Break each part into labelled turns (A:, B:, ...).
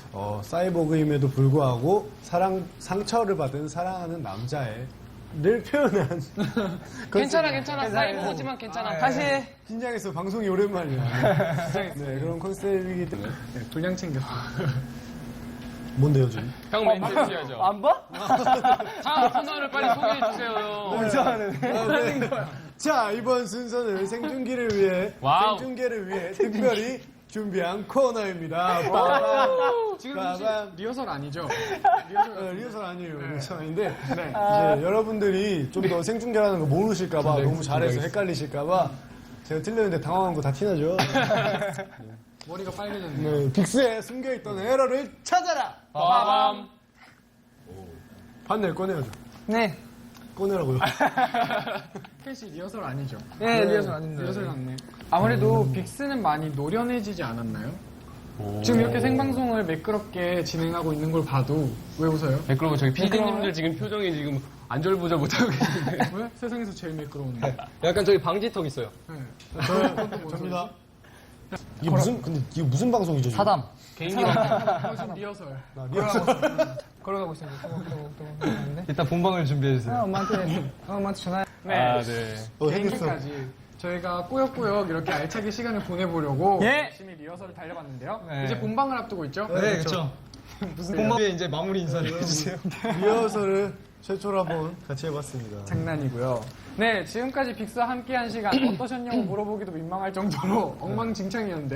A: 사이보그임에도 불구하고 상처를 받은 사랑하는 남자를 표현한
B: 괜찮아. 사이보지만 괜찮아.
C: 다시
A: 긴장해서 방송이 오랜만이야. 네, 그런 컨셉이기 때문에
D: 분량 챙겼어.
A: 뭔데요 지금?
B: 형 멘트 해줘야죠.
C: 안 봐?
B: 다음 코너를 빨리 소개해주세요.
A: 네. 자, 이번 순서는 생중계를 위해 특별히 준비한 코너입니다.
D: 지금
A: 빠밤.
D: 리허설 아니죠?
A: 리허설 아니에요. 리허설 아닌데 이제 여러분들이 좀 더 생중계라는 거 모르실까봐 너무 잘해서 헷갈리실까봐 제가 틀렸는데 당황한 거 다 티나죠?
D: 머리가 빨개졌네.
A: 네, 빅스에 숨겨있던 에러를 찾아라!
B: 빠밤.
A: 판넬 꺼내야죠.
C: 네.
A: 꺼내라고요.
D: 캐시 리허설 아니죠?
C: 네, 리허설 아닌데.
D: 리허설 같네. 아무래도 빅스는 많이 노련해지지 않았나요? 지금 이렇게 생방송을 매끄럽게 진행하고 있는 걸 봐도 왜 웃어요?
B: 그리고 저기 PD님들 지금 표정이 지금 안절부절 못하고 계시는데.
D: 왜? 세상에서 제일 매끄러운데.
B: 약간 저기 방지턱 있어요.
D: 네.
A: 접니다. 근데 이게 무슨 방송이죠? 지금?
C: 사담.
B: 개인기
D: 지금 리허설.
C: 걸어가고 있습니다. 걸어가는데.
E: 일단 본방을 준비해주세요.
C: 엄마한테 전화.
D: 네.
B: 네.
A: 생겼어.
D: 개인기까지 저희가 꾸역꾸역 이렇게 알차게 시간을 보내보려고
C: 예.
D: 열심히 리허설을 달려봤는데요.
E: 네.
D: 이제 본방을 앞두고 있죠?
E: 네, 그렇죠. 본방에 이제 마무리 인사를 해주세요.
A: 리허설을 최초로 한번 같이 해봤습니다.
D: 장난이고요. 네, 지금까지 빅스와 함께한 시간 어떠셨냐고 물어보기도 민망할 정도로 엉망진창이었는데요.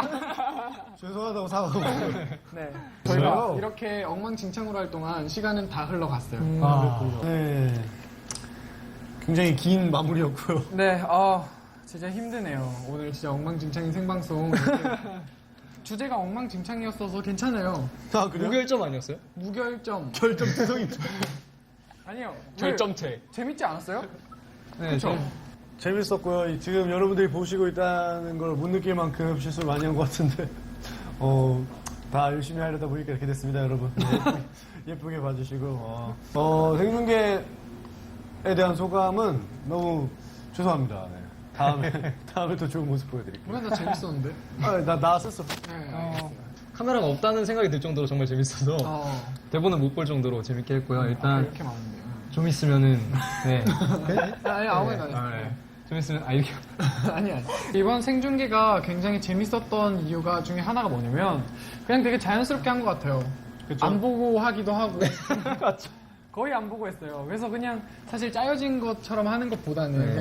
A: 죄송하다고 사과하고.
D: 네,
A: 그래요?
D: 저희가 이렇게 엉망진창으로 할 동안 시간은 다 흘러갔어요.
A: 네. 굉장히 긴 마무리였고요.
D: 네, 진짜 힘드네요. 오늘 진짜 엉망진창인 생방송. 주제가 엉망진창이었어서 괜찮아요.
A: 아, 그래요?
E: 무결점 아니었어요?
D: 무결점.
A: 결점 투성이죠.
D: 아니요.
B: 결점체.
D: 재밌지 않았어요?
E: 네,
D: 그쵸?
A: 재밌었고요. 지금 여러분들이 보시고 있다는 걸 못 느낄 만큼 실수를 많이 한 것 같은데, 다 열심히 하려다 보니까 이렇게 됐습니다, 여러분. 예쁘게 봐주시고, 생중계에 대한 소감은 너무 죄송합니다. 네. 다음에 더 좋은 모습 보여드릴게요.
D: 우리 다 재밌었는데?
A: 나 나왔었어.
D: 네, 알겠어요.
E: 카메라가 없다는 생각이 들 정도로 정말 재밌어서 대본을 못 볼 정도로 재밌게 했고요. 일단
D: 이렇게 많은데.
E: 좀 있으면은 네.
D: 아니, 아무거나
E: 좀 있으면 이렇게
D: 아니. 이번 생중계가 굉장히 재밌었던 이유가 중에 하나가 뭐냐면 그냥 되게 자연스럽게 한 것 같아요.
A: 그쵸?
D: 안 보고 하기도 하고. 거의 안 보고 했어요. 그래서 그냥 사실 짜여진 것처럼 하는 것보다는